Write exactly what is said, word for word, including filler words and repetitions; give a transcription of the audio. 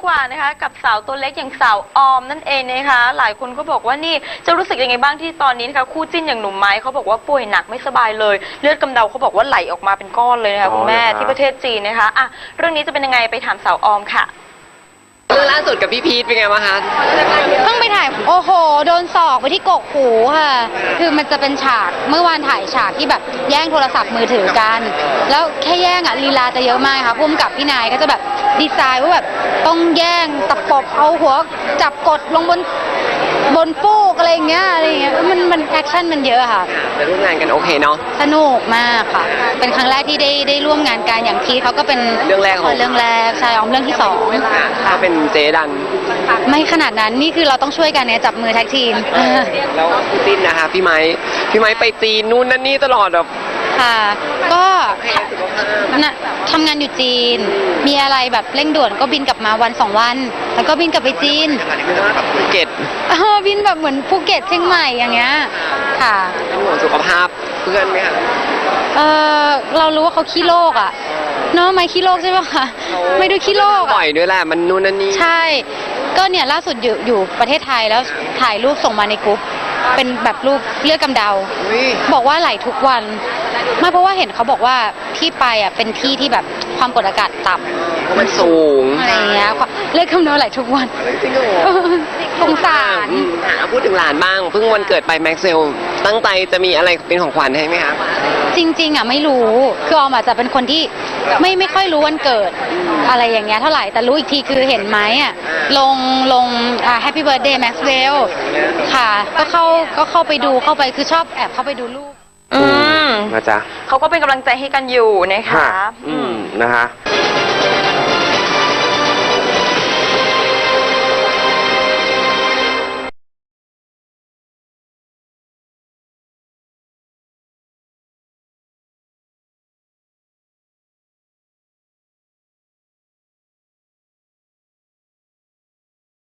กว่านะคะกับสาวตัวเล็กอย่างสาวออมนั่นเองนะคะหลายคนก็บอกว่านี่จะรู้สึกยังไงบ้างที่ตอนนี้นะคะคู่จิ้นอย่างหนุ่มไม้เขาบอกว่าป่วยหนักไม่สบายเลยเลือดกำเดาเขาบอกว่าไหลออกมาเป็นก้อนเลยนะคะคุณแม่ที่ประเทศจีนนะคะอ่ะเรื่องนี้จะเป็นยังไงไปถามสาวออมค่ะเรื่องล่าสุดกับพี่พีทเป็นไงบ้างคะเพิ่งไปถ่ายโอ้โหโดนศอกไปที่กกหูค่ะคือมันจะเป็นฉากเมื่อวานถ่ายฉากที่แบบแย่งโทรศัพท์มือถือกันแล้วแค่แย่งอ่ะลีลาจะเยอะมากค่ะพุ่มกับพี่นายก็จะแบบดีไซน์ว่าแบบต้องแย่งตะปบเอาหัวจับกดลงบนบนฟูกอะไรอย่างเงี้ยอะไรอย่างเงี้ยมันมันแอคชั่นมันเยอะค่ะแต่ร่วมงานกันโอเคเนาะสนุกมากค่ะเป็นครั้งแรกที่ได้ได้ร่วมงานกันอย่างพีทเขาก็เป็นเรื่องแรกของเรื่องแรกใช่ออมเรื่องที่สองเขาเป็นเจดันไม่ขนาดนั้นนี่คือเราต้องช่วยกันเนี่ยจับมือแท็กทีมแล้วคู่จิ้นนะคะพี่ไม้พี่ไม้ไปจีนนู่นนั่นนี่ตลอดแบบค่ะก็ทำงานอยู่จีนมีอะไรแบบเร่งด่วนก็บินกลับมาวันสองวันแล้วก็บินกลับไปจีนแบบภูเก็ตบินแบบเหมือนภูเก็ตเชียงใหม่อย่างเงี้ยค่ะเป็นห่วงสุขภาพเพื่อนไหมคะเออเรารู้ว่าเขาขี้โรคอ่ะเนาะไม่ขี้โรคใช่ไหมคะไม่ดูขี้โรคบ่อยด้วยแหละมันนู่นนั่นนี่ใช่ก็เนี่ยล่าสุดอยู่อยู่ประเทศไทยแล้วถ่ายรูปส่งมาในกรุ๊ปเป็นแบบรูปเลือดกำเดาบอกว่าไหลทุกวันไม่เพราะว่าเห็นเขาบอกว่าที่ไปอ่ะเป็นที่ที่แบบความกดอากาศต่ำมันสูงอะไรเงี้ยเลือดกำเดาไหลทุกวันสงสารพูดถึงหลานบ้างเพิ่งวันเกิดไปแม็กเซลตั้งใจจะมีอะไรเป็นของขวัญให้ไหมคะจริงๆอ่ะไม่รู้คือออมอาจจะเป็นคนที่ไม่ไม่ค่อยรู้วันเกิดอะไรอย่างเงี้ยเท่าไหร่แต่รู้อีกทีคือเห็นไหมอ่ะลงลงอ่า Happy Birthday Maxwell ค่ะก็เข้าก็เข้าไปดูเข้าไปคือชอบแอบเข้าไปดูรูปอืมนะจ๊ะเขาก็เป็นกำลังใจให้กันอยู่นะคะอืมนะคะ